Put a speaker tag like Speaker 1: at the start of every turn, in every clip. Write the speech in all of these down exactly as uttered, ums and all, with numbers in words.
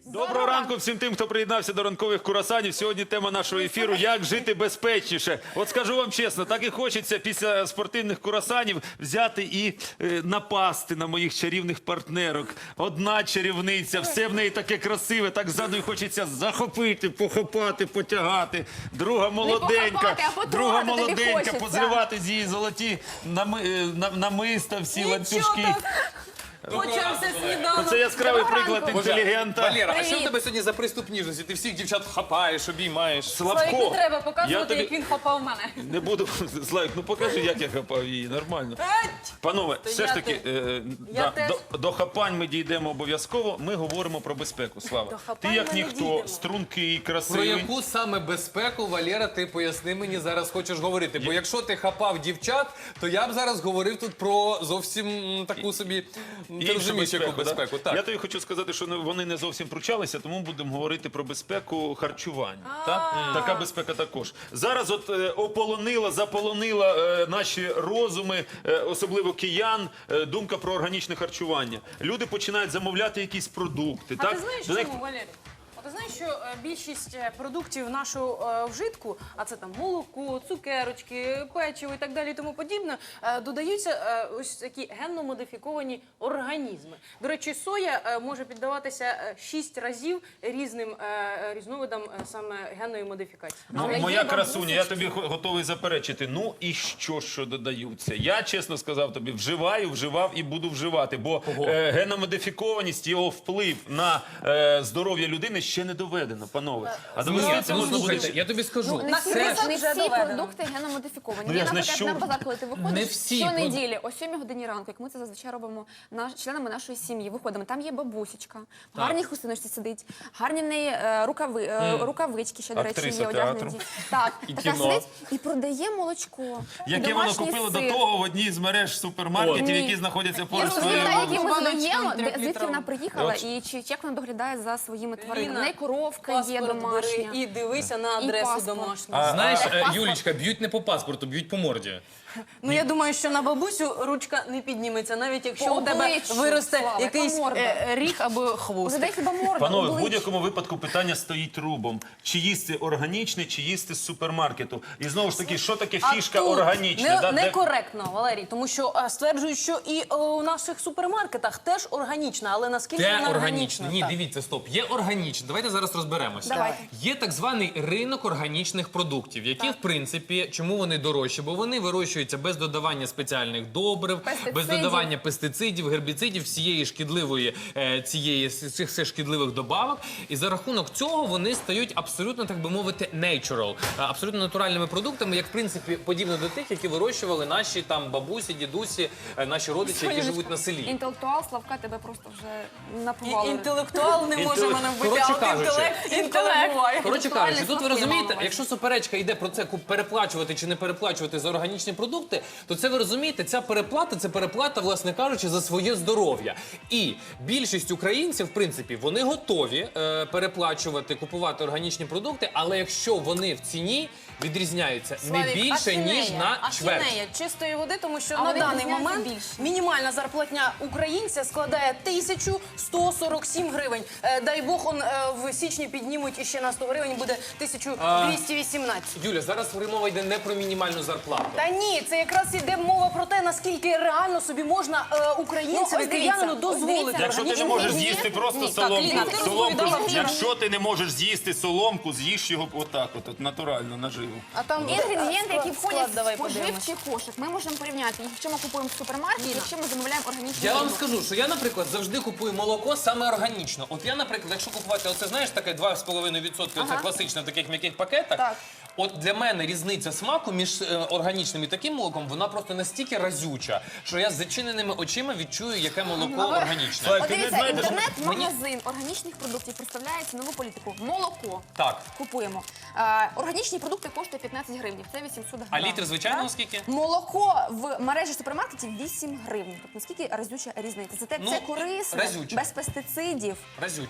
Speaker 1: Доброго ранку всім тим, хто приєднався до ранкових курасанів. Сьогодні тема нашого ефіру «Як жити безпечніше». От скажу вам чесно, так і хочеться після спортивних курасанів взяти і е, напасти на моїх чарівних партнерок. Одна чарівниця, все в неї таке красиве, так ззаду хочеться захопити, похопати, потягати. Друга молоденька,
Speaker 2: похопати, а
Speaker 1: друга
Speaker 2: потрогати тобі
Speaker 1: молоденька,
Speaker 2: хочеться.
Speaker 1: позривати з її золоті нами, е, на- намиста, всі ланцюжки.
Speaker 3: Почався сніданок.
Speaker 1: Це яскравий приклад
Speaker 2: ранку.
Speaker 1: інтелігента.
Speaker 3: Валера, а що в
Speaker 2: Привіт.
Speaker 3: тебе сьогодні за приступ ніжності? Ти всіх дівчат хапаєш, обіймаєш.
Speaker 1: Славко,
Speaker 4: Славік, не треба
Speaker 1: я
Speaker 4: показувати,
Speaker 1: тобі
Speaker 4: як він хапав мене.
Speaker 1: не буду. Славік, ну покажи, як я хапав її, нормально. Панове,
Speaker 4: То
Speaker 1: все
Speaker 4: я
Speaker 1: ж таки,
Speaker 4: те-
Speaker 1: е,
Speaker 4: я
Speaker 1: да,
Speaker 4: теж.
Speaker 1: до, до хапань ми дійдемо обов'язково. Ми говоримо про безпеку. Слава,
Speaker 4: До
Speaker 1: ти
Speaker 4: хапань
Speaker 1: як
Speaker 4: ми не
Speaker 1: ніхто,
Speaker 4: дійдемо.
Speaker 1: стрункий,
Speaker 3: Про
Speaker 1: красивий.
Speaker 3: яку саме безпеку, Валера, ти поясни мені зараз хочеш говорити? Бо якщо ти хапав дівчат, то я б зараз говорив тут про зовсім м, таку собі, м, ти
Speaker 1: Іншу
Speaker 3: розумієш, яку
Speaker 1: да?
Speaker 3: безпеку. Так.
Speaker 1: Я тобі хочу сказати, що не- вони не зовсім пручалися, тому будемо говорити про безпеку харчування. Так? Така безпека також. Зараз от е, ополонила, заполонила е, наші розуми, е, особливо киян, е, думка про органічне харчування. Люди починають замовляти якісь продукти.
Speaker 4: А
Speaker 1: так?
Speaker 4: ти знаєш
Speaker 1: До них-
Speaker 4: чому, Валерій? А ти знаєш, що е, більшість е, продуктів нашого е, вжитку, а це там молоко, цукерочки, печиво і так далі і тому подібне, е, додаються е, ось такі генно-модифіковані організми. До речі, соя е, може піддаватися е, шість разів різним е, різновидам е, саме генної модифікації.
Speaker 1: Ну,
Speaker 4: Але
Speaker 1: моя
Speaker 4: є
Speaker 1: красуня, я
Speaker 4: бабусечки.
Speaker 1: тобі го- готовий заперечити. Ну і що, що додаються? Я, чесно сказав тобі, вживаю, вживав і буду вживати, бо е, геномодифікованість, його вплив на е, здоров'я людини ще не доведено, панове. А довести це
Speaker 3: Ну,
Speaker 1: можна буде...
Speaker 3: слухайте, я тобі скажу.
Speaker 2: Не всі,
Speaker 3: Це...
Speaker 2: не
Speaker 4: вже
Speaker 2: всі
Speaker 4: доведено.
Speaker 2: продукти геномодифіковані.
Speaker 1: Ну, я
Speaker 2: Є,
Speaker 1: ж не
Speaker 2: наприклад,
Speaker 1: щур.
Speaker 2: на базар, коли ти
Speaker 3: Не
Speaker 2: виходиш
Speaker 3: всі
Speaker 2: щонеділі, о сьомій годині ранку, як ми це зазвичай робимо наш, членами нашої сім'ї, виходимо. Там є бабусечка, в гарній хустиночці сидить, гарні в неї е, рукави, е, рукавички, ще, до речі,
Speaker 1: Актриса
Speaker 2: є одягнуті.
Speaker 1: театру.
Speaker 2: Так,
Speaker 3: І
Speaker 2: така
Speaker 3: кіно.
Speaker 2: сидить і продає молочко.
Speaker 1: Яке воно
Speaker 2: домашній
Speaker 1: купило до
Speaker 2: сир.
Speaker 1: того в одній з мереж супермаркетів,
Speaker 2: Ні.
Speaker 1: які знаходяться
Speaker 2: Я
Speaker 1: поруч з
Speaker 2: розумію,
Speaker 1: твоєю.
Speaker 2: які ми
Speaker 4: Баночку
Speaker 2: задаємо, де- звідки
Speaker 4: трьохлітрову.
Speaker 2: вона приїхала
Speaker 1: От.
Speaker 2: і чи, чи як вона доглядає за своїми тваринами.
Speaker 4: Ліна,
Speaker 2: В неї коровка є
Speaker 4: Паспорт бери
Speaker 2: домашня.
Speaker 4: і дивися на
Speaker 2: І
Speaker 4: адресу
Speaker 2: паспорт.
Speaker 4: домашню.
Speaker 3: Знаєш, е,
Speaker 2: Паспорт.
Speaker 3: Юлічка, б'ють не по паспорту, б'ють по морді.
Speaker 4: Ну я думаю, що на бабусю ручка не підніметься, навіть якщо
Speaker 2: По
Speaker 4: у тебе
Speaker 2: обличчю,
Speaker 4: виросте
Speaker 2: Слава,
Speaker 4: якийсь
Speaker 2: яка морда?
Speaker 4: е, ріг або хвост.
Speaker 2: Задай хіба морду,
Speaker 1: Панове, в
Speaker 2: обличчя.
Speaker 1: будь-якому випадку питання стоїть рубом. Чи їсти органічне, чи їсти з супермаркету. І знову ж таки, що таке фішка
Speaker 4: тут
Speaker 1: органічна?
Speaker 4: Не,
Speaker 1: да, де-
Speaker 4: некоректно, Валерій, тому що а, стверджують, що і е, у наших супермаркетах теж органічна, але наскільки
Speaker 3: Де
Speaker 4: вона
Speaker 3: органічно?
Speaker 4: органічна?
Speaker 3: Ні,
Speaker 4: Так.
Speaker 3: дивіться, стоп. Є органічне. Давайте зараз розберемося.
Speaker 2: Давайте.
Speaker 3: Є так званий ринок органічних продуктів, які, в принципі, чому вони дорожчі? Бо вони вирощуються без додавання спеціальних добрив, без
Speaker 2: Пестицидів.
Speaker 3: додавання пестицидів, гербіцидів, всієї шкідливої, е, цієї, цих всіх шкідливих добавок. І за рахунок цього вони стають абсолютно, так би мовити, natural, е, абсолютно натуральними продуктами, як, в принципі, подібно до тих, які вирощували наші там бабусі, дідусі, е, наші родичі, які живуть на селі.
Speaker 2: Інтелектуал Славка тебе просто вже
Speaker 4: І-
Speaker 2: напували.
Speaker 4: Інтелектуал не може мене вбити,
Speaker 3: Коротше
Speaker 4: а от
Speaker 3: кажучи.
Speaker 4: інтелект інколи буває.
Speaker 3: Коротше кажучи, тут ви
Speaker 2: Славки
Speaker 3: розумієте,
Speaker 2: мало.
Speaker 3: якщо суперечка йде про це, ку- переплачувати чи не переплачувати за органічні продукти, то це ви розумієте, ця переплата, це переплата, власне кажучи, за своє здоров'я. І більшість українців, в принципі, вони готові е, переплачувати, купувати органічні продукти, але якщо вони в ціні відрізняються не
Speaker 4: Славік,
Speaker 3: більше,
Speaker 4: ахінея,
Speaker 3: ніж на чверть.
Speaker 4: ахінея чистої води, тому що
Speaker 2: А
Speaker 4: на
Speaker 2: вони
Speaker 4: даний
Speaker 2: відрізняються
Speaker 4: момент
Speaker 2: більше.
Speaker 4: мінімальна зарплатня українця складає тисячу сто сорок сім гривень. Е, Дай Бог, он е, в січні піднімуть іще на сто гривень, буде тисячу двісті вісімнадцять.
Speaker 3: Юля, зараз мова йде не про мінімальну зарплату.
Speaker 4: Та ні, це якраз іде мова про те, наскільки реально собі можна е,
Speaker 2: Ну,
Speaker 4: українцеві,
Speaker 2: ось
Speaker 4: киянину
Speaker 2: дивіться, ось
Speaker 4: дозволити.
Speaker 2: дивіться.
Speaker 1: Якщо ти не
Speaker 4: органічні
Speaker 1: можеш
Speaker 4: продукти.
Speaker 1: з'їсти просто
Speaker 4: Ні, так,
Speaker 1: соломку,
Speaker 4: Ліна, ти
Speaker 1: соломку,
Speaker 4: розповідала вчора.
Speaker 1: якщо ти не можеш з'їсти соломку, з'їж його отак, от, от натурально, наживо.
Speaker 4: А там
Speaker 2: Інгредієнти, які
Speaker 4: склад-
Speaker 2: входять
Speaker 4: склад давай
Speaker 2: в споживчий
Speaker 4: подивимось.
Speaker 2: кошик, ми можемо порівняти їх, якщо ми купуємо в супермаркеті, якщо ми замовляємо органічні
Speaker 3: Я вам
Speaker 2: продукти.
Speaker 3: скажу, що я, наприклад, завжди купую молоко саме органічно. От я, наприклад, якщо купувати, оце знаєш, таке два з половиною відсотки, оце класичне в таких м'яких пакетах.
Speaker 2: Так.
Speaker 3: От для мене різниця смаку між е, органічним і таким молоком, вона просто настільки разюча, що я з зачиненими очима відчую, яке молоко органічне.
Speaker 1: Слайк,
Speaker 2: От
Speaker 1: ти не
Speaker 2: дивіться,
Speaker 1: знаєш,
Speaker 2: інтернет-магазин органічних продуктів представляє цінову політику. Молоко
Speaker 3: Так.
Speaker 2: купуємо. Е, органічні продукти коштують п'ятнадцять гривень, це вісімсот гривень.
Speaker 3: А літр, звичайно, скільки?
Speaker 2: Молоко в мережі супермаркетів вісім гривень. Тобто наскільки разюча різниця? Це, те-
Speaker 3: Ну,
Speaker 2: це корисне,
Speaker 3: разюче.
Speaker 2: без пестицидів.
Speaker 3: Разюче.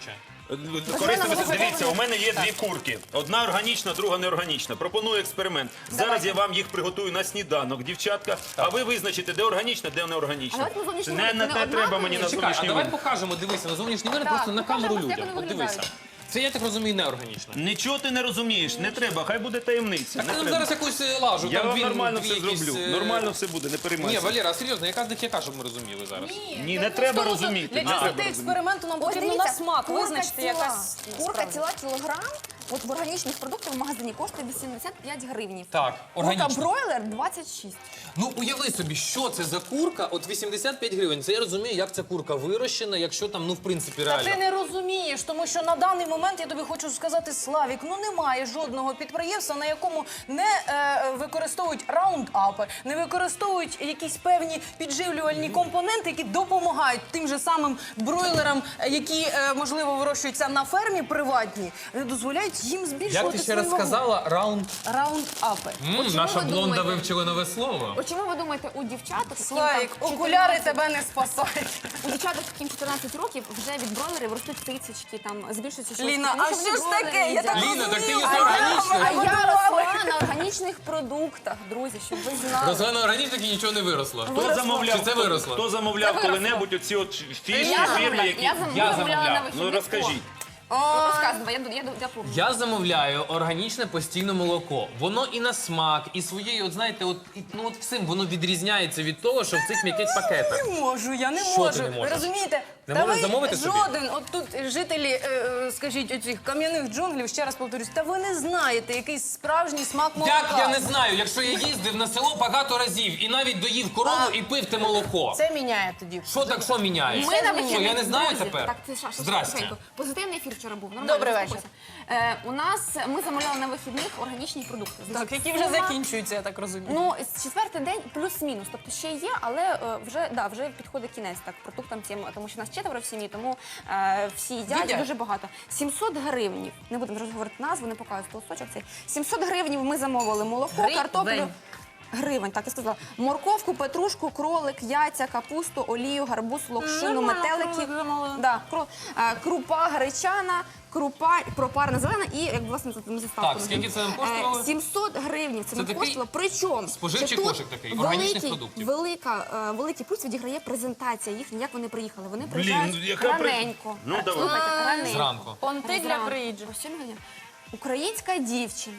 Speaker 1: Корисно,
Speaker 2: Можливо,
Speaker 1: дивіться, у мене є дві курки. Одна органічна, друга неорганічна. Пропоную експеримент. Зараз я вам їх приготую на сніданок, дівчатка. А ви визначите, де органічна, де
Speaker 2: А
Speaker 1: неорганічна.
Speaker 2: давайте на зовнішній
Speaker 1: Не,
Speaker 2: вигляд,
Speaker 1: не
Speaker 2: не
Speaker 1: те треба мені на
Speaker 3: Чекай, а
Speaker 1: зовнішній
Speaker 3: давай
Speaker 1: вигляд.
Speaker 3: покажемо, дивися, на зовнішній вигляд,
Speaker 2: Так,
Speaker 3: просто на камеру
Speaker 2: покажемо, як
Speaker 3: людям.
Speaker 2: вони
Speaker 3: От дивися.
Speaker 2: виглядають.
Speaker 3: Це, я так розумію, неорганічно.
Speaker 1: Нічого ти не розумієш, не треба, хай буде таємниця.
Speaker 3: Так
Speaker 1: Не
Speaker 3: ти нам
Speaker 1: треба.
Speaker 3: зараз якусь е, лажу.
Speaker 1: Я
Speaker 3: там
Speaker 1: вам
Speaker 3: дві-
Speaker 1: нормально
Speaker 3: дві
Speaker 1: все
Speaker 3: якісь,
Speaker 1: зроблю.
Speaker 3: е,
Speaker 1: Нормально все буде, не
Speaker 3: Ні,
Speaker 1: переймайся.
Speaker 3: Валера, а серйозно, яка з них яка, щоб ми розуміли зараз?
Speaker 1: Ні, не треба розуміти.
Speaker 4: Для
Speaker 1: не треба
Speaker 4: чистоти
Speaker 1: розуміти.
Speaker 4: експерименту нам
Speaker 2: Ось
Speaker 4: потрібно
Speaker 2: дивіться,
Speaker 4: на смак
Speaker 2: курка
Speaker 4: визначити
Speaker 2: ціла.
Speaker 4: якась
Speaker 2: Курка
Speaker 4: справді.
Speaker 2: ціла кілограм, от в органічних продуктах в магазині коштує вісімдесят п'ять гривнів.
Speaker 3: Так,
Speaker 2: Курка
Speaker 3: органічно.
Speaker 2: бройлер двадцять шість.
Speaker 3: Ну, уяви собі, що це за курка, от вісімдесят п'ять гривень. Це я розумію, як ця курка вирощена, якщо там, ну, в принципі,
Speaker 4: Та ти
Speaker 3: реально.
Speaker 4: не розумієш, тому що на даний момент я тобі хочу сказати, Славік, ну немає жодного підприємства, на якому не е, використовують раундапи, не використовують якісь певні підживлювальні компоненти, які допомагають тим же самим бройлерам, е, які е, можливо вирощуються на фермі приватній, не дозволяють їм збільшувати
Speaker 3: Як ти ще раз
Speaker 4: свою вагу.
Speaker 3: сказала, раунд.
Speaker 4: Раундапи.
Speaker 3: М,
Speaker 2: чому
Speaker 3: наша
Speaker 2: ви
Speaker 3: блонда
Speaker 2: думаєте?
Speaker 3: вивчила нове слово.
Speaker 2: От чому ви думаєте, у дівчаток, яким
Speaker 4: Славік,
Speaker 2: там
Speaker 4: окуляри
Speaker 2: чотирнадцять
Speaker 4: тебе не спасають.
Speaker 2: у дівчаток, яким чотирнадцять років, вже від бройлерів ростуть цицечки, там збільшуються щось.
Speaker 4: Ліна,
Speaker 2: тому
Speaker 4: а
Speaker 2: що
Speaker 4: що
Speaker 2: вони
Speaker 4: ж
Speaker 2: бройлери
Speaker 4: таке? Я
Speaker 2: їдять.
Speaker 4: так
Speaker 3: Ліна, так ти
Speaker 4: розумію.
Speaker 3: їси
Speaker 4: А я-
Speaker 3: органічно.
Speaker 2: А я
Speaker 4: Готували.
Speaker 2: росла на органічних продуктах, друзі, щоб ви знали.
Speaker 3: Росла на органічних і нічого не виросло.
Speaker 1: Хто замовляв,
Speaker 3: Чи це виросло?
Speaker 1: хто замовляв
Speaker 2: Це виросло.
Speaker 1: коли-небудь оці от фіші,
Speaker 2: Я
Speaker 1: фірми,
Speaker 2: замовляла,
Speaker 1: які...
Speaker 2: я зам-
Speaker 3: Я
Speaker 2: замовляла на
Speaker 3: замовляв.
Speaker 2: вихідних.
Speaker 1: Ну розкажіть.
Speaker 2: Розказуй, я, я, я помню.
Speaker 3: Я замовляю органічне постійне молоко. Воно і на смак, і своєю, от знаєте, от і- ну от всім воно відрізняється від того, що в цих м'яких пакетах.
Speaker 4: Не можу, я не
Speaker 3: Що
Speaker 4: можу.
Speaker 3: ти не
Speaker 4: Ви
Speaker 3: можеш?
Speaker 4: розумієте?
Speaker 3: Не
Speaker 4: Та
Speaker 3: можеш
Speaker 4: ви
Speaker 3: замовити собі?
Speaker 4: жоден, от тут жителі, е, е, скажіть, оцих кам'яних джунглів, ще раз повторюсь, та ви не знаєте, який справжній смак молока.
Speaker 3: Як я не знаю, якщо я їздив на село багато разів і навіть доїв корову і пив те молоко.
Speaker 4: Це міняє тоді.
Speaker 3: Що так, що міняє?
Speaker 2: Ми на
Speaker 3: Що,
Speaker 2: вихідних,
Speaker 3: я не знаю
Speaker 2: друзі,
Speaker 3: тепер?
Speaker 2: Так, це Саша,
Speaker 3: Здрасте.
Speaker 2: тихенько. Позитивний ефір вчора був. Нормально,
Speaker 4: Добрий вечір.
Speaker 2: заспокойся. Е, у нас, ми замовляли на вихідних органічні продукти.
Speaker 4: Так, які вже
Speaker 2: Сума-
Speaker 4: закінчуються, я так розумію.
Speaker 2: Ну, з четвертий день плюс-мінус. Тобто ще є, але е, вже, да, вже підходить кінець так, продуктам цим, тому що нас четверо в сім'ї, тому е, всі їдять
Speaker 4: Їдять.
Speaker 2: дуже багато. сімсот гривнів, не будемо вже говорити назву, не показую толсточок цей. сімсот гривнів ми замовили молоко,
Speaker 4: Гривень?
Speaker 2: картоплю. Гривень, так я сказала. Морковку, петрушку, кролик, яйця, капусту, олію, гарбуз, локшину,
Speaker 4: Нормально,
Speaker 2: метелики.
Speaker 4: кролик замовили.
Speaker 2: Да, кро- е, крупа гречана, крупа пропарна зелена і як власне тут ми заставку.
Speaker 3: Так, скільки це нам коштувало?
Speaker 2: Е, сімсот гривень це нам
Speaker 3: такий
Speaker 2: коштувало. Причому
Speaker 3: споживчий
Speaker 2: що тут
Speaker 3: кошик такий, органічних
Speaker 2: великий,
Speaker 3: продуктів.
Speaker 2: Велика, е, великий плюс відіграє презентація їхня, як вони приїхали. Вони
Speaker 1: Блін,
Speaker 2: приїжджають
Speaker 1: ну, яка при-
Speaker 2: раненько.
Speaker 1: Ну, давай.
Speaker 2: Слухайте, раненько.
Speaker 3: Зранку.
Speaker 4: Понти для
Speaker 2: Зранку.
Speaker 4: приїжджих.
Speaker 2: О сьомій годині. Українська дівчина.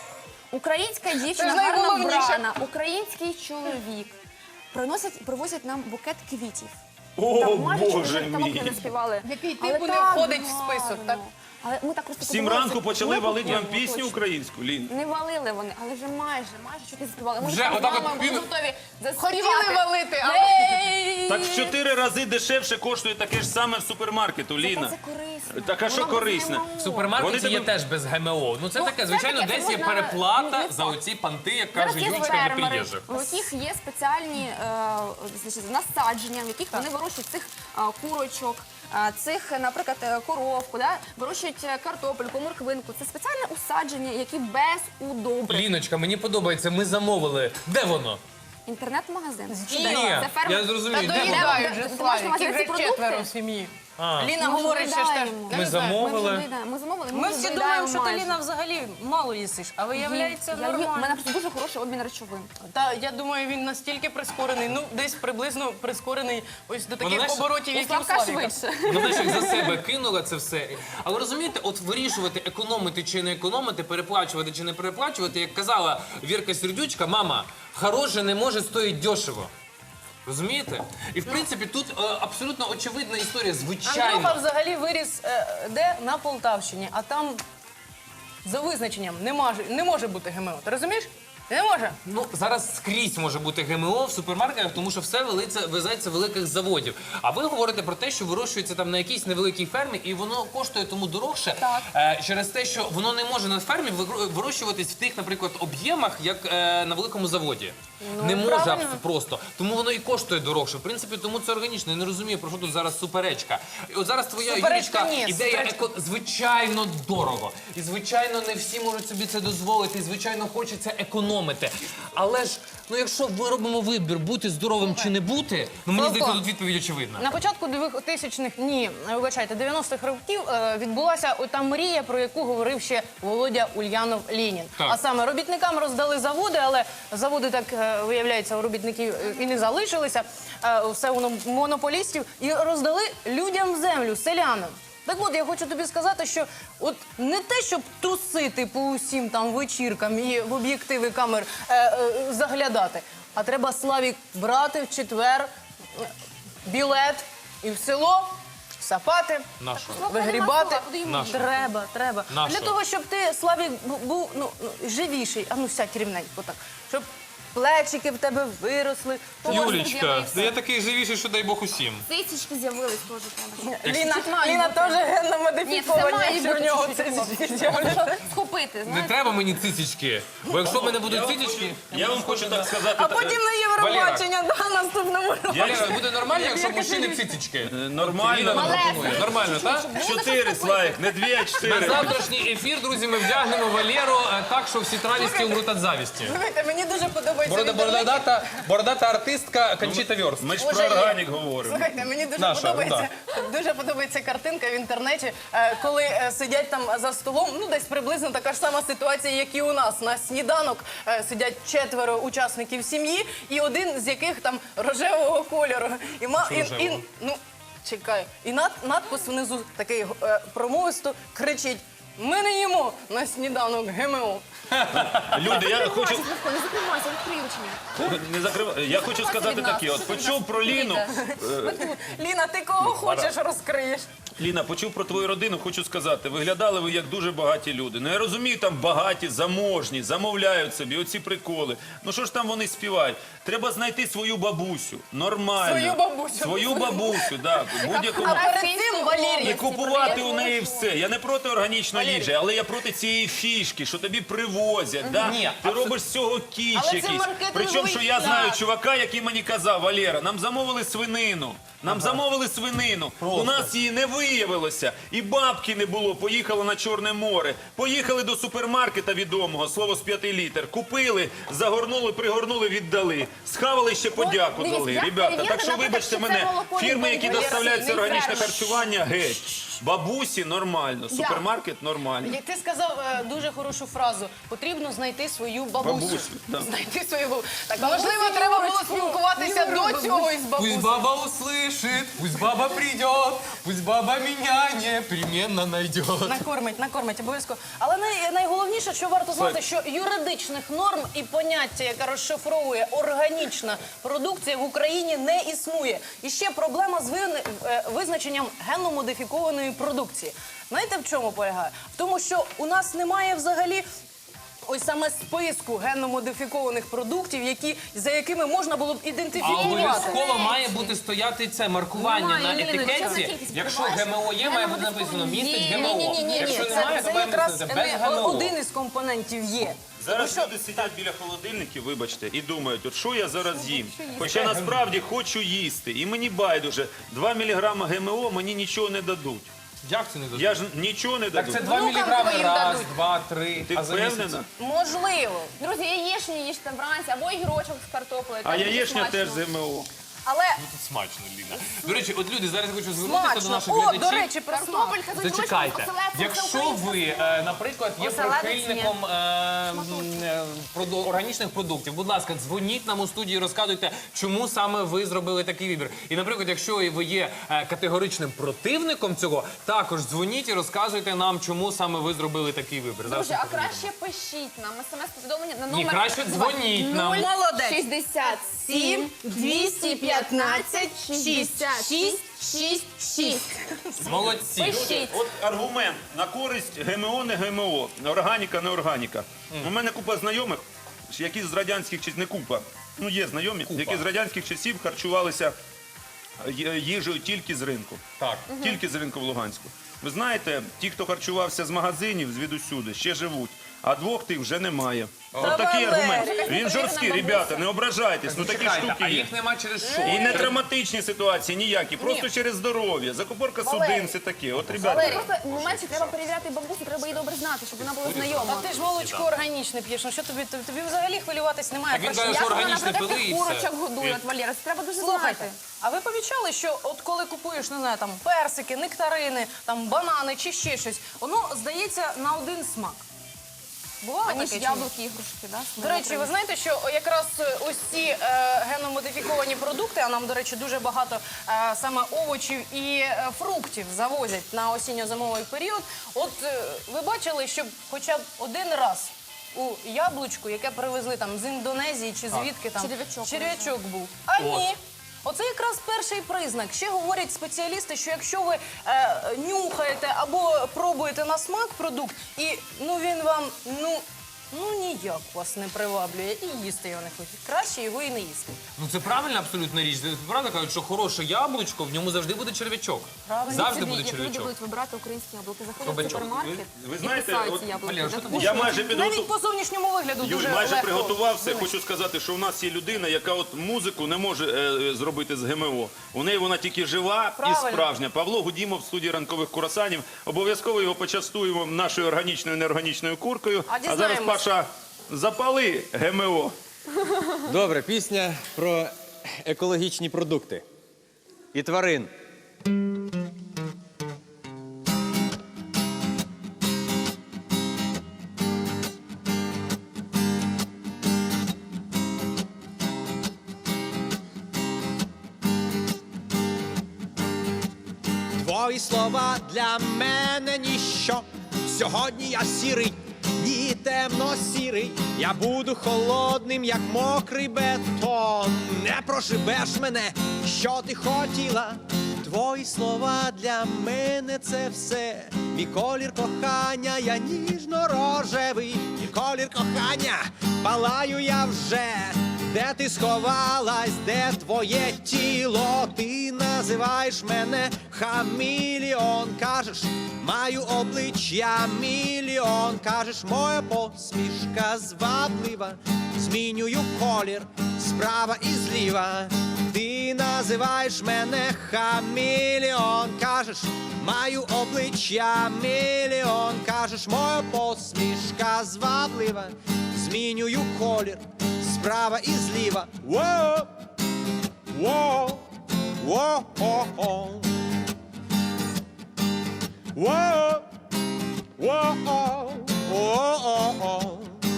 Speaker 2: Українська дівчина
Speaker 4: Це
Speaker 2: гарно
Speaker 4: найголовніше.
Speaker 2: вбрана, український чоловік. Приносять, привозять нам букет квітів.
Speaker 1: О,
Speaker 2: Так, майже
Speaker 1: Боже
Speaker 2: вже там
Speaker 1: мій.
Speaker 2: не співали.
Speaker 4: Який
Speaker 2: Але
Speaker 4: типу не
Speaker 2: так
Speaker 4: входить в
Speaker 2: гарно.
Speaker 4: список, так?
Speaker 2: Але ми так просто
Speaker 1: Сім
Speaker 2: подивилися,
Speaker 1: ранку почали
Speaker 2: ми
Speaker 1: валити вам
Speaker 2: купуємо,
Speaker 1: пісню
Speaker 2: точно.
Speaker 1: українську, Лін.
Speaker 2: Не валили вони, але вже майже, майже чуть не заспівали. Ми
Speaker 3: Вже
Speaker 2: з
Speaker 3: отак от
Speaker 2: мамою були
Speaker 3: пів-
Speaker 2: готові заспівати.
Speaker 4: Хотіли валити, але...
Speaker 2: Ей!
Speaker 1: Так в чотири рази дешевше коштує таке ж саме в супермаркету,
Speaker 2: Зате
Speaker 1: Ліна.
Speaker 2: це корисно.
Speaker 1: Так, а що
Speaker 2: Воно без
Speaker 1: корисне?
Speaker 2: ГМО.
Speaker 3: В супермаркеті
Speaker 1: Вони
Speaker 3: є
Speaker 1: тебе-
Speaker 3: теж без ГМО. Ну це
Speaker 2: Ну,
Speaker 3: таке,
Speaker 2: це
Speaker 3: звичайно,
Speaker 2: таке,
Speaker 3: десь
Speaker 2: це
Speaker 3: є
Speaker 2: можна-
Speaker 3: переплата
Speaker 2: ну,
Speaker 3: за оці панти, як
Speaker 2: Зараз
Speaker 3: каже
Speaker 2: є
Speaker 3: Юлька для
Speaker 2: фермери,
Speaker 3: приїжджих.
Speaker 2: у яких є спеціальні е, значить, насадження, в яких вони вирощують цих е, курочок, е, цих, наприклад, е, коровку, да? вирощують е, картопельку, морквинку. Це спеціальне усадження, які без удобрень.
Speaker 3: Ліночка, мені подобається, ми замовили. Де воно?
Speaker 2: Інтернет-магазин.
Speaker 4: Ні,
Speaker 2: Чудово. Це фермер.
Speaker 3: я
Speaker 4: Та
Speaker 3: зрозумів, де воно?
Speaker 4: доїдають
Speaker 2: Ти
Speaker 4: вже,
Speaker 2: маєш
Speaker 4: Славік,
Speaker 2: на увазі
Speaker 4: їх
Speaker 2: ці
Speaker 4: вже
Speaker 2: продукти?
Speaker 4: четверо в сім'ї.
Speaker 3: А.
Speaker 4: Ліна
Speaker 2: Ми
Speaker 4: говорить, що ж теж...
Speaker 2: доїдаємо.
Speaker 3: Ми
Speaker 2: Ми
Speaker 3: замовили.
Speaker 2: доїдаємо. Ми замовили.
Speaker 4: Ми
Speaker 2: вже
Speaker 4: всі
Speaker 2: доїдаємо
Speaker 4: думаємо, що ти,
Speaker 2: майже.
Speaker 4: Ліна, взагалі мало їсиш, а виявляється
Speaker 2: Я їм- У мене
Speaker 4: нормально.
Speaker 2: просто дуже хороший обмін речовин.
Speaker 4: Та я думаю, він настільки прискорений, ну десь приблизно прискорений ось до таких
Speaker 3: знаєш,
Speaker 4: оборотів,
Speaker 2: У
Speaker 4: як і у
Speaker 2: Славка
Speaker 4: Славіка.
Speaker 2: швидше.
Speaker 3: Ну, знаєш, як за себе кинула це все. Але розумієте, от вирішувати, економити чи не економити, переплачувати чи не переплачувати, як казала Вірка Сердючка, мама, хороше не може стоїть дешево. Розумієте? І в принципі тут е, абсолютно очевидна історія,
Speaker 4: Андрюха
Speaker 3: звичайно.
Speaker 4: взагалі виріс е, де? На Полтавщині, а там за визначенням не може, не може бути ГМО. Ти розумієш? Не може.
Speaker 3: Ну, зараз скрізь може бути ГМО в супермаркетах, тому що все велиться, везеться з великих заводів. А ви говорите про те, що вирощується там на якійсь невеликій фермі, і воно коштує тому дорогше
Speaker 2: Так.
Speaker 3: е, через те, що воно не може на фермі вигро- вирощуватись в тих, наприклад, об'ємах, як е, на великому заводі. не може
Speaker 4: правильно.
Speaker 3: абс- просто. Тому воно і коштує дорожче. В принципі, тому це органічно. Я не розумію, про що тут зараз суперечка. І от зараз твоя
Speaker 4: Суперечка
Speaker 3: Юлічка,
Speaker 4: ні,
Speaker 3: ідея
Speaker 4: суперечка.
Speaker 3: еко... звичайно дорого. І звичайно не всі можуть собі це дозволити. І звичайно хочеться економити. Але ж, ну якщо ми робимо вибір, бути здоровим чи не бути, ну мені
Speaker 4: Славко,
Speaker 3: здається, тут відповідь очевидна.
Speaker 4: На початку двохтисячних, ні, вибачайте, дев'яностих років е, відбулася ота мрія, про яку говорив ще Володя Ульянов Ленін.
Speaker 3: Так.
Speaker 4: А саме робітникам роздали заводи, але заводи, так е, виявляється, у робітників е, і не залишилися, е, все воно монополістів, і роздали людям землю, селянам. Так от, я хочу тобі сказати, що от не те, щоб тусити по усім там вечіркам і в об'єктиви камер е, е, заглядати, а треба, Славік, брати в четвер е, білет і в село сапати,
Speaker 3: Нащо?
Speaker 4: вигрібати.
Speaker 2: Куди йому
Speaker 3: Нащо?
Speaker 4: Треба, треба.
Speaker 3: Нащо?
Speaker 4: Для того, щоб ти, Славік, бу- був ну, ну, живіший, а ну сядь рівненько так, щоб плечики в тебе виросли.
Speaker 2: Юлічка,
Speaker 3: я такий живіший, що дай Бог усім.
Speaker 2: Цицічки з'явились теж треба.
Speaker 4: Ліна,
Speaker 2: має
Speaker 4: Ліна
Speaker 2: бути.
Speaker 4: теж генно
Speaker 2: Ні, це
Speaker 4: модифікована,
Speaker 2: має
Speaker 4: якщо в
Speaker 2: бути
Speaker 4: нього
Speaker 2: чуть-чуть
Speaker 4: це
Speaker 2: хлопчик. Щоб схопити,
Speaker 3: Не
Speaker 2: знаєте.
Speaker 3: треба мені цицічки, бо якщо в мене будуть цицічки...
Speaker 1: Я вам хочу так сказати.
Speaker 4: А потім на Євробачення, да, наступному році.
Speaker 3: Валера, буде нормально, якщо в мужчини цицічки?
Speaker 1: Е, Нормально.
Speaker 3: Ліна нам
Speaker 2: Малесенькі.
Speaker 3: пропонує. Нормально, так?
Speaker 1: Чотири, Славік, не дві, а
Speaker 3: На
Speaker 1: чотири.
Speaker 3: завтрашній ефір, друзі, ми вдягнемо Валеру е, так, що всі тралісті умруть від завісті.
Speaker 4: Слухайте, мені дуже подобається
Speaker 3: Борода,
Speaker 4: в інтернеті.
Speaker 3: бородата, бородата артистка Кончіта Вьорст.
Speaker 1: Ми ж
Speaker 4: Боже,
Speaker 1: про
Speaker 4: є.
Speaker 1: органік говоримо.
Speaker 4: Слухайте, мені дуже
Speaker 3: Наша,
Speaker 4: подобається, дуже подобається картинка в інтернеті, е, коли е, сидять там за столом, ну десь приблизно така ж сама ситуація, як і у нас. На сніданок е, сидять четверо учасників сім'ї, і один з яких там рожевого кольору. І, ма, і, і,
Speaker 3: рожевого?
Speaker 4: ну, чекай, і над, надпис внизу такий е, промовисто кричить: ми не їмо на сніданок ГМО.
Speaker 1: Люди, я хочу
Speaker 2: Славко, не закривайся, відкрий ручення.
Speaker 1: не закривати. Я хочу сказати таке. От почув про Ліну.
Speaker 4: Ліна, ти кого хочеш розкриєш?
Speaker 1: Ліна, почув про твою родину, хочу сказати, виглядали ви як дуже багаті люди. Ну я розумію, там багаті, заможні, замовляють собі оці приколи. Ну що ж там вони співають? Треба знайти свою бабусю, нормально.
Speaker 4: Свою бабусю.
Speaker 1: Свою бабусю, так. Будь-якому.
Speaker 4: А перед цим, Валерій,
Speaker 1: І купувати у неї все. Я не проти органічної їжі, але я проти цієї фішки, що тобі привозять. Да?
Speaker 3: Ні,
Speaker 1: Ти робиш з цього кіч
Speaker 4: Але це
Speaker 1: якийсь.
Speaker 4: маркетинговий
Speaker 1: Причому, що я
Speaker 4: шлях.
Speaker 1: знаю чувака, який мені казав: Валера, нам замовили свинину. Нам замовили свинину. У нас її не виявилося. І бабки не було. Поїхали на Чорне море. Поїхали до супермаркета відомого, слово з п'яти літер. Купили, загорнули, пригорнули, віддали. Схавали, ще подяку
Speaker 2: дивіться,
Speaker 1: дали.
Speaker 2: я
Speaker 1: Ребята,
Speaker 2: перевірила,
Speaker 1: так що
Speaker 2: наприклад,
Speaker 1: вибачте
Speaker 2: що це
Speaker 1: мене,
Speaker 2: молоко
Speaker 1: фірми,
Speaker 2: від
Speaker 1: які
Speaker 2: Валери,
Speaker 1: доставляють це
Speaker 2: не
Speaker 1: органічне
Speaker 2: фреш.
Speaker 1: харчування, геть. Бабусі нормально, супермаркет нормально.
Speaker 4: Як ти сказав е, дуже хорошу фразу, потрібно знайти свою бабусю.
Speaker 1: Бабусю, да.
Speaker 4: Знайти свою бабусю. Так, можливо, треба було спілкуватися до цього із
Speaker 3: Пусть
Speaker 4: бабусею.
Speaker 3: баба услышит, пусть баба придет, пусть баба меня непременно найдет.
Speaker 4: Накормить, накормить, обов'язково. Але най, найголовніше, що варто знати, що юридичних норм і поняття, яке розшифровує органічна продукція, в Україні не існує. І ще проблема з ви- е, визначенням генно-модифікованої продукції. Знаєте, в чому полягає? В тому, що у нас немає взагалі ось саме списку генно-модифікованих продуктів, які, за якими можна було б
Speaker 3: А
Speaker 4: ідентифікувати.
Speaker 3: обов'язково має бути стояти це маркування
Speaker 2: Немає,
Speaker 3: на
Speaker 2: Ні, ні, ні, це
Speaker 3: етикетці.
Speaker 2: кількість
Speaker 3: Якщо
Speaker 2: відбувається.
Speaker 3: ГМО є, має бути написано містить
Speaker 2: Ні,
Speaker 3: ГМО.
Speaker 2: ні, ні, ні,
Speaker 3: Якщо
Speaker 4: Ні,
Speaker 3: немає,
Speaker 4: це,
Speaker 3: то
Speaker 4: це
Speaker 3: має
Speaker 4: якраз
Speaker 3: написано без
Speaker 4: не
Speaker 3: ГМО.
Speaker 4: один із компонентів є.
Speaker 1: Зараз люди сидять біля холодильників, вибачте, і думають, от що я зараз їм. Хоча насправді хочу їсти. І мені байдуже, два міліграми ГМО мені нічого не дадуть.
Speaker 3: Як це не дадуть?
Speaker 1: Я ж нічого не
Speaker 3: Так
Speaker 1: дадуть.
Speaker 3: це два
Speaker 4: Внукам
Speaker 3: міліграми
Speaker 4: твоїм
Speaker 3: раз,
Speaker 4: дадуть.
Speaker 3: два, три.
Speaker 1: Ти
Speaker 3: а за місяць?
Speaker 1: впевнена?
Speaker 4: Можливо.
Speaker 2: Друзі, яєчню їжте вранці, або ігрочок з картоплею.
Speaker 1: А
Speaker 2: теж дуже
Speaker 1: яєчня теж
Speaker 2: смачно.
Speaker 1: з ГМО.
Speaker 4: Але
Speaker 3: Тут смачно, Ліна. До речі, от люди, зараз я хочу звернутися до
Speaker 4: смачно.
Speaker 3: наших
Speaker 4: О,
Speaker 3: глядачів.
Speaker 4: до речі, про смак.
Speaker 2: Картопелька з огірочком,
Speaker 3: Зачекайте,
Speaker 2: оселедцем, це
Speaker 3: якщо
Speaker 2: українська
Speaker 3: ви, е, наприклад, є
Speaker 2: Оселедець
Speaker 3: прихильником е, м, е, проду- органічних продуктів, будь ласка, дзвоніть нам у студії, розказуйте, чому саме ви зробили такий вибір. І, наприклад, якщо ви є е, категоричним противником цього, також дзвоніть і розказуйте нам, чому саме ви зробили такий вибір. Зараз
Speaker 2: Друзі,
Speaker 3: ми
Speaker 2: а
Speaker 3: подивимося.
Speaker 2: краще пишіть нам смс-повідомлення на
Speaker 3: Ні,
Speaker 2: номер
Speaker 3: краще дзвоніть нам.
Speaker 4: Молодець.
Speaker 2: шістдесят сім двісті п'ятнадцять шістдесят шість шість шість.
Speaker 3: Молодці.
Speaker 2: Пишіть.
Speaker 1: От аргумент на користь ГМО, не ГМО, органіка, не органіка. У мене купа знайомих, які з радянських часів, не купа, ну є знайомі, які з радянських часів харчувалися ї- їжею тільки з ринку.
Speaker 3: Так.
Speaker 1: Тільки з ринку в Луганську. Ви знаєте, ті, хто харчувався з магазинів, звідусюди, ще живуть. а двох тих вже немає.
Speaker 4: Та
Speaker 1: От такий
Speaker 4: Валерій.
Speaker 1: аргумент. Він жорсткий, ребята, не ображайтесь, ну такі
Speaker 3: Чекайте,
Speaker 1: штуки
Speaker 3: а
Speaker 1: є.
Speaker 3: їх нема через що?
Speaker 1: І не травматичні ситуації ніякі, просто через здоров'я, закупорка
Speaker 2: Валерій.
Speaker 1: судин, все таке. От, ребята,
Speaker 2: Валерій, просто моменті треба перевіряти бабусю, треба її добре знати, щоб вона була знайома.
Speaker 4: А ти ж молочко органічне п'єш, ну що тобі, тобі, тобі взагалі хвилюватись немає.
Speaker 3: Так він
Speaker 4: про що.
Speaker 3: каже,
Speaker 2: Як
Speaker 3: що
Speaker 2: вона,
Speaker 3: органічне
Speaker 2: наприклад,
Speaker 3: пили
Speaker 2: тих
Speaker 3: і все.
Speaker 2: курочок годує, от, Валера, це треба дуже
Speaker 4: Слухайте,
Speaker 2: знати.
Speaker 4: а ви помічали, що от коли купуєш, не знаю, там персики, нектарини, там банани чи ще щось, воно здається на один смак. Бувало
Speaker 2: Аніж
Speaker 4: таке чи ні?
Speaker 2: яблуки, ігрушки, да?
Speaker 4: До речі, ви знаєте, що якраз ось ці е, геномодифіковані продукти, а нам, до речі, дуже багато е, саме овочів і е, фруктів завозять на осінньо-зимовий період. От е, ви бачили, щоб хоча б один раз у яблучку, яке привезли там з Індонезії чи звідки там
Speaker 2: Черв'ячок
Speaker 4: черв'ячок був. А ні. Оце якраз перший признак. Ще говорять спеціалісти, що якщо ви е, нюхаєте або пробуєте на смак продукт, і ну він вам ну, ну ніяк вас не приваблює, і їсти його не хочуть. Краще його і не їсти.
Speaker 3: Ну це правильна абсолютна річ. Правда кажуть, що хороше яблучко, в ньому завжди буде черв'ячок. Завжди
Speaker 2: Собі,
Speaker 3: буде
Speaker 2: як люди
Speaker 3: черв'ячок.
Speaker 2: будуть вибирати українські яблуки, заходять в
Speaker 3: Кабачок.
Speaker 2: супермаркет
Speaker 1: Ви- ви
Speaker 2: і
Speaker 1: знаєте,
Speaker 2: кусають
Speaker 1: от,
Speaker 2: ці яблуки.
Speaker 3: Валера, що
Speaker 2: Да,
Speaker 3: ти
Speaker 1: я майже
Speaker 4: Навіть
Speaker 1: підготував.
Speaker 4: по зовнішньому вигляду
Speaker 1: Юль,
Speaker 4: дуже
Speaker 1: майже
Speaker 4: легко.
Speaker 1: приготувався.
Speaker 4: винести.
Speaker 1: Хочу сказати, що у нас є людина, яка от музику не може е, зробити з ГМО. У неї вона тільки жива
Speaker 4: Правильно.
Speaker 1: і справжня. Павло Гудімов в студії ранкових курасанів. Обов'язково його почастуємо нашою органічною неорганічною куркою.
Speaker 4: А
Speaker 1: А зараз,
Speaker 4: дізнаємось.
Speaker 1: Паша, запали ГМО.
Speaker 5: Добре, пісня про екологічні продукти і тварин. Твої слова для мене ніщо. Сьогодні я сірий, ні темно-сірий. Я буду холодним, як мокрий бетон. Не проживеш мене, що ти хотіла. Твої слова для мене це все. Мій колір кохання, я ніжно-рожевий. Мій колір кохання, палаю я вже. Де ти сховалась, де твоє тіло? Ти називаєш мене хаміліон. Кажеш, маю обличчя мільйон. Кажеш, моя посмішка зваблива. Змінюю колір справа і зліва. Ти називаєш мене хаміліон. Кажеш, маю обличчя мільйон. Кажеш, моя посмішка зваблива. Змінюю колір справа і зліва. Воу, воу, воу, воу, воу, воу, воу.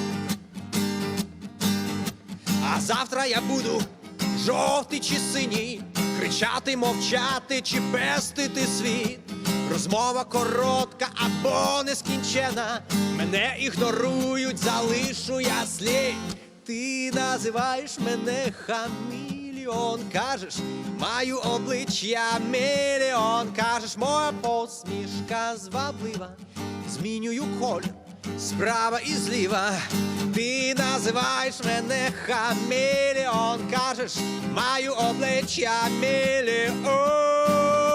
Speaker 5: А завтра я буду жовтий чи синій, кричати, мовчати чи пестити світ. Розмова коротка або нескінчена. Мене ігнорують, залишу я слід. Ти називаєш мене хаміліон. Кажеш, маю обличчя мільйон. Кажеш, моя посмішка зваблива. Змінюю колір справа і зліва. Ти називаєш мене хаміліон. Кажеш, маю обличчя мільйон.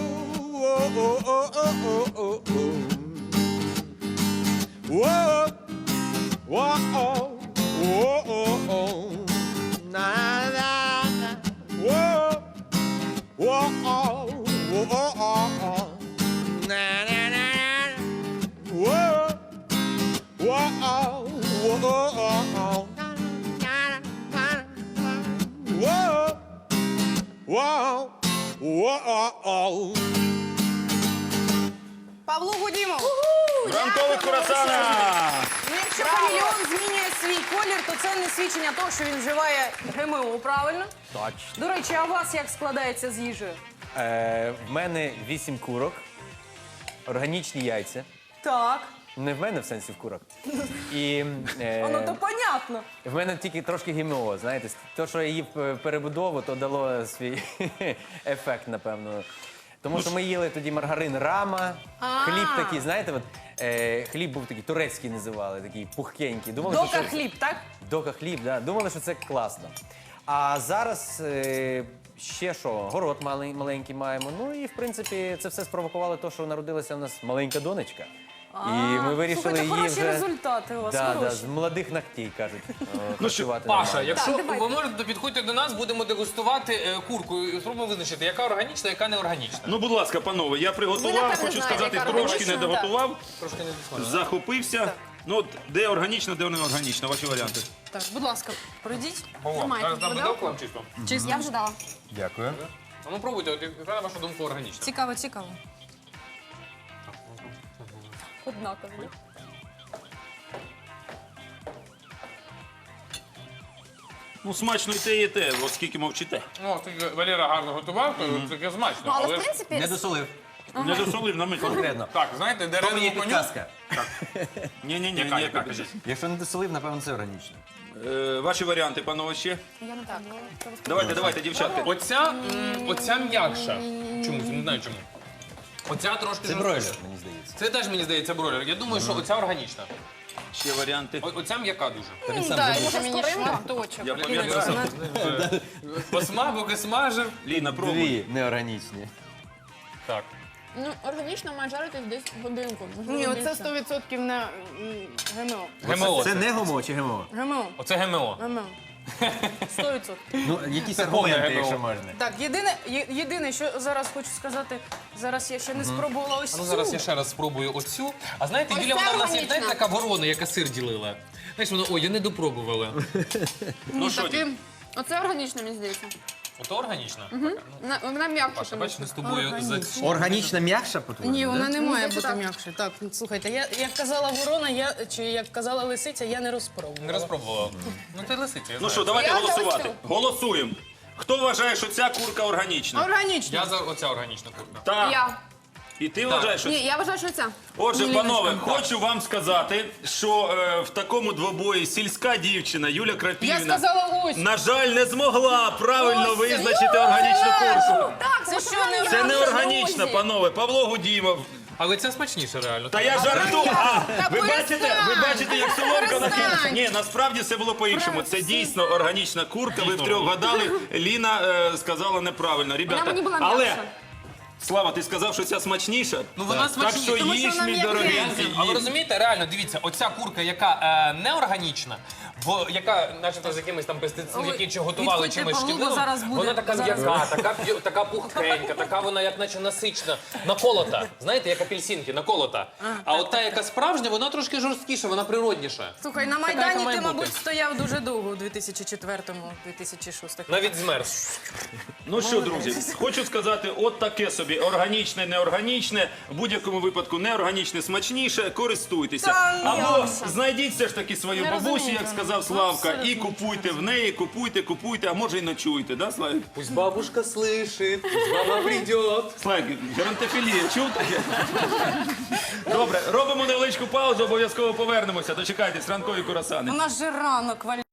Speaker 5: Whoa, whoa, whoa, na na na. Whoa, whoa, whoa, na na na. Whoa, whoa, whoa, whoa, whoa, whoa.
Speaker 4: Павло Гудімов.
Speaker 1: Ранкових курасанах!
Speaker 4: Ну, якщо хамелеон змінює свій колір, то це не свідчення того, що він вживає ГМО, правильно?
Speaker 5: Точно.
Speaker 4: До речі, а у вас як складається з їжею?
Speaker 5: Е, в мене вісім курок, органічні яйця.
Speaker 4: Так.
Speaker 5: Не в мене в сенсі в курок. І е,
Speaker 4: Воно то понятно.
Speaker 5: в мене тільки трошки ГМО, знаєте. То, що я їв е, перебудову, то дало свій ефект, напевно. Тому що ми їли тоді маргарин Рама, хліб такий, знаєте, от, е, хліб був такий, турецький називали, такий пухкенький. Думали, що
Speaker 4: Дока
Speaker 5: це-
Speaker 4: хліб, так?
Speaker 5: Дока хліб, да. Думали, що це класно. А зараз е, ще що, город малий, маленький маємо. Ну і в принципі це все спровокувало те, що народилася у нас маленька донечка. І ми вирішили
Speaker 4: Слухайте,
Speaker 5: її
Speaker 4: хороші
Speaker 5: вже
Speaker 4: результати у вас,
Speaker 5: да, да,
Speaker 4: хороші.
Speaker 5: з молодих ногтей, кажуть.
Speaker 1: Ну,
Speaker 5: працювати
Speaker 3: Паша,
Speaker 5: нормально.
Speaker 3: якщо
Speaker 2: Так, давайте.
Speaker 3: ви можете, то підходьте до нас, будемо дегустувати е, курку і спробуємо визначити, яка органічна, яка неорганічна.
Speaker 1: Ну, будь ласка, панове, я
Speaker 2: Ви,
Speaker 1: приготував,
Speaker 2: напевно,
Speaker 1: хочу
Speaker 2: знаєте,
Speaker 1: сказати,
Speaker 2: яка
Speaker 1: трошки не
Speaker 2: органічна,
Speaker 1: доготував,
Speaker 3: Трошки не досмажена.
Speaker 1: захопився. Ну, от, де органічна, де неорганічна, ваші варіанти.
Speaker 4: Так, будь ласка, пройдіть.
Speaker 2: Тримайте.
Speaker 3: Зараз дам
Speaker 2: Виделку?
Speaker 3: виделку вам чисто.
Speaker 2: Я вже дала.
Speaker 5: Дякую.
Speaker 3: А ну пробуйте, от яка на вашу думку органічна?
Speaker 4: Цікаво, цікаво.
Speaker 2: Однаково.
Speaker 1: Ну, смачно і те, і те, оскільки мовчите.
Speaker 3: Ну, ти, Валера гарно готував, то таке смачно.
Speaker 2: Ну, але
Speaker 3: але
Speaker 2: в
Speaker 3: ж-
Speaker 2: принципі,
Speaker 5: Не досолив.
Speaker 1: Не досолив на мить.
Speaker 5: Конкретно.
Speaker 3: Так, знаєте,
Speaker 5: То мені
Speaker 3: дерев'яну коню.
Speaker 5: підказка.
Speaker 1: Ні-ні-ні,
Speaker 3: Яка,
Speaker 1: ні,
Speaker 3: яка,
Speaker 1: кажіть.
Speaker 5: Якщо не досолив, напевно, це органічно.
Speaker 1: Е, Ваші варіанти, панове, ще.
Speaker 2: я не так.
Speaker 1: Давайте, давайте, дівчатки.
Speaker 3: Оця, м, оця м'якша. Чомусь, не знаю чому. Оця трошки
Speaker 5: Це
Speaker 3: жорстка.
Speaker 5: бройлер, мені здається.
Speaker 3: Це теж, мені здається, бройлер. Я думаю, що оця органічна.
Speaker 1: Ще варіанти.
Speaker 3: О- Оця м'яка дуже.
Speaker 5: Він сам
Speaker 4: Так,
Speaker 5: забув.
Speaker 4: ще мені
Speaker 2: скоринка?
Speaker 4: шматочок.
Speaker 1: Я пам'ятаю.
Speaker 3: Посмак, поки смажив.
Speaker 1: Ліна, пробуй.
Speaker 5: Дві неорганічні.
Speaker 3: Так.
Speaker 2: Ну, органічно має жаритись десь годинку. можливо,
Speaker 4: Ні, оце
Speaker 2: більше.
Speaker 4: сто відсотків не м, ГМО.
Speaker 3: ГМО.
Speaker 5: Це не гомо чи ГМО?
Speaker 4: ГМО.
Speaker 3: Оце ГМО.
Speaker 4: ГМО. сто відсотків.
Speaker 5: Ну, якісь
Speaker 3: Це повне
Speaker 5: аргументи,
Speaker 3: ГМО.
Speaker 5: якщо можна.
Speaker 4: Так, єдине, є- єдине, що зараз хочу сказати, зараз я ще не спробувала ось
Speaker 3: А ну
Speaker 4: цю.
Speaker 3: зараз я ще раз спробую оцю. А знаєте,
Speaker 2: Ось
Speaker 3: Юля,
Speaker 2: це
Speaker 3: вона в нас є,
Speaker 2: органічна.
Speaker 3: знаєте, така ворона, яка сир ділила. Знаєш, вона, ой, я не допробувала.
Speaker 1: Ну що,
Speaker 4: Таким-
Speaker 2: Оце органічно, мені здається.
Speaker 3: Ото органічна?
Speaker 2: Вона, вона м'якша.
Speaker 3: Паша,
Speaker 2: тому
Speaker 3: бачиш,
Speaker 2: що.
Speaker 3: ми з тобою за...
Speaker 5: Органічна м'якша, по-твоєму?
Speaker 4: Ні, вона не
Speaker 2: Мені
Speaker 4: має
Speaker 2: здається,
Speaker 4: бути
Speaker 2: так.
Speaker 4: м'якше. Так, слухайте, я як казала ворона, я чи як казала лисиця, я не розпробувала.
Speaker 3: Не розпробувала. Ну ти лисиця, я
Speaker 1: Ну
Speaker 3: знаю.
Speaker 1: що, давайте
Speaker 2: Я за
Speaker 1: голосувати.
Speaker 2: оцю.
Speaker 1: Голосуємо. Хто вважає, що ця курка органічна?
Speaker 4: Органічно.
Speaker 3: Я за оця органічна курка.
Speaker 1: Так.
Speaker 2: Я.
Speaker 1: І ти вважаєш, що
Speaker 2: Ні, я вважаю, що це.
Speaker 1: Отже,
Speaker 4: Ні,
Speaker 1: панове,
Speaker 4: Ліночка,
Speaker 1: хочу вам сказати, що е, в такому двобої сільська дівчина Юля
Speaker 4: Я
Speaker 1: Крапівна,
Speaker 4: сказала ось.
Speaker 1: на жаль, не змогла правильно
Speaker 4: Ось,
Speaker 1: це органічну курку.
Speaker 2: Так,
Speaker 4: Це що, не
Speaker 1: Це не
Speaker 2: м'якша,
Speaker 1: органічна,
Speaker 2: друзі.
Speaker 1: панове. Павло Гудімов.
Speaker 3: Але ця смачніша реально.
Speaker 1: Та я жартую. А, ви
Speaker 4: перестань!
Speaker 1: бачите, ви бачите, як соломка
Speaker 4: Перестань!
Speaker 1: накинула? Ні, насправді все було по-іншому. Це дійсно органічна курка. Ви втрьох гадали. Ліна е, сказала неправильно. Ребята,
Speaker 2: мені була
Speaker 1: але
Speaker 2: м'якша.
Speaker 1: Слава, ти сказав, що ця смачніша?
Speaker 3: Ну, вона
Speaker 1: Так
Speaker 3: смачніша,
Speaker 1: що
Speaker 4: тому що
Speaker 1: їж,
Speaker 4: вона
Speaker 1: мій
Speaker 4: м'якенька.
Speaker 1: дорогенький.
Speaker 3: А ви
Speaker 1: їж.
Speaker 3: розумієте, реально, дивіться, оця курка, яка е, неорганічна, бо яка, начебто, з якимись там пестицидами,
Speaker 4: Ой,
Speaker 3: які чи готували
Speaker 4: відходьте,
Speaker 3: чимось
Speaker 4: Павло,
Speaker 3: шкідливим,
Speaker 4: зараз буде,
Speaker 3: вона така
Speaker 4: зараз
Speaker 3: м'яка, така, п'ю- така пухкенька, така вона, як наче насичена, наколота. Знаєте, як апельсинки, наколота. А от та, яка справжня, вона трошки жорсткіша, вона природніша.
Speaker 4: Слухай, на
Speaker 3: яка
Speaker 4: Майдані
Speaker 3: має
Speaker 4: ти,
Speaker 3: бути.
Speaker 4: мабуть, стояв дуже довго у дві тисячі четвертому - дві тисячі шостому.
Speaker 3: Навіть змерз.
Speaker 1: Ну що, друзі, хочу сказати, от таке собі органічне, неорганічне, в будь-якому випадку неорганічне смачніше, користуйтеся.
Speaker 2: Та ні,
Speaker 1: Або
Speaker 2: Окса.
Speaker 1: знайдіть все ж таки свою
Speaker 4: Не
Speaker 1: бабусю,
Speaker 4: розумію,
Speaker 1: як
Speaker 4: ну,
Speaker 1: сказав Славка, і
Speaker 4: абсолютно.
Speaker 1: купуйте в неї, купуйте, купуйте, а може і ночуйте, да, Славік?
Speaker 3: Пусть бабушка слышит, пусть баба придет.
Speaker 1: Славік, геронтофілія, чув таке? Добре, робимо невеличку паузу, обов'язково повернемося. Дочекайтесь, ранкові курасани.
Speaker 4: У нас же ранок, Валь.